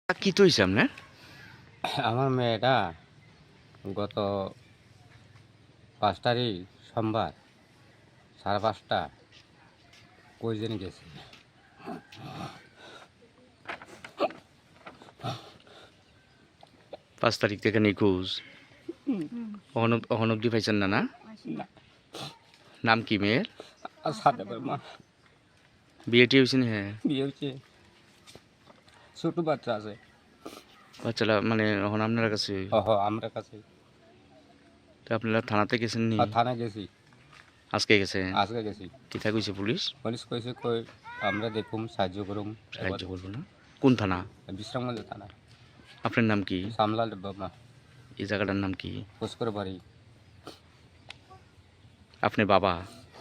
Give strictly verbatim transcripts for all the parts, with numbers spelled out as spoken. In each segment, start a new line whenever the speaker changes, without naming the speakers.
কি তো হইছে আপনার?
আমার মেয়েটা গত পাঁচ তারিখ সোমবার সাড়ে পাঁচটা কই যেন গেছে।
পাঁচ তারিখ থেকে নিখোঁজ। অহন অহন অব্দি পাইছেন না না? নাম কি মেয়ের?
আর সাথে মা
বিয়েটি হয়েছে না? হ্যাঁ,
বিয়ে হচ্ছে, ছোট বাচ্চা আছে।
বাচ্চারা মানে এখন আপনার কাছে?
ওহ আমরা কাছে।
তো আপনারা থানাতে গেছেন নি?
আর থানা গেছি,
আজকে গেছে?
আজকে গেছি।
কিতা কইছে পুলিশ?
পুলিশ কইছে কই আমরা দেখুম সাহায্য করুম।
সাহায্য করবো না? কোন থানা?
বিশ্রামগঞ্জ থানা।
আপনার নাম কি?
সামলাল বাবা।
এই জায়গাটার নাম কি?
পুষ্কর বাড়ি।
আপনি বাবা?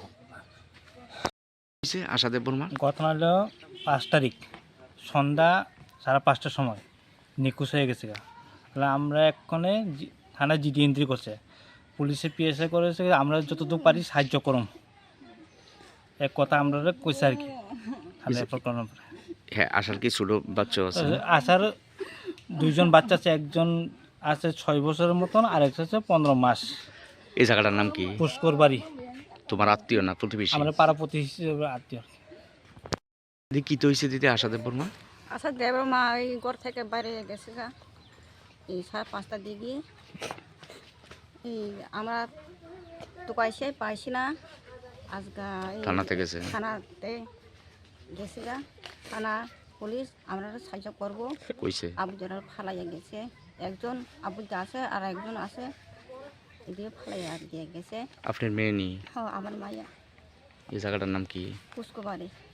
আশাদেব বর্মা
ঘটনা হলো পাঁচ তারিখ সন্ধ্যা সাড়ে পাঁচটার সময় নিখোঁজ হয়ে গেছে। তাহলে আমরা এক্ষণে থানায় জিডি এন্ট্রি করছে, পুলিশে পিএসএ করেছে, আমরা যতটুকু পারি সাহায্য করুম এক কথা আমরা কইছে আর কি থানায় প্রকরণ।
হ্যাঁ, আসার কি ছোট বাচ্চা আছে?
আসার দুইজন বাচ্চা আছে, একজন আছে ছয় বছরের মতন আর একটা আছে পনেরো মাস।
এই জায়গাটার নাম কি?
পুষ্কর বাড়ি।
তোমার আত্মীয় না প্রতিবেশী?
আমরা পাড়াপতি হিসেবে আত্মীয়।
কি তো হয়েছে দিদি আশাদেব বর্মা?
আশাদেব বর্মা এই ঘর থেকে বাইরে গেছে গা এই সাড়ে পাঁচটার দিকে। এই আমরা তো পাইছি পাইছি না আজকে
থানাতে গেছে?
থানাতে গেছে গা থানা পুলিশ আমরা সাহায্য করবো
কইছে?
আবুজারা ফালাইয়া গেছে, একজন আবুজা আছে আর একজন আছে এদিকে ফালাইয়া দিয়ে গেছে।
আপনার মেয়ে নি?
হ্যাঁ আমার মাইয়া।
এই জায়গাটার নাম কি?
পুষ্কর বাড়ি।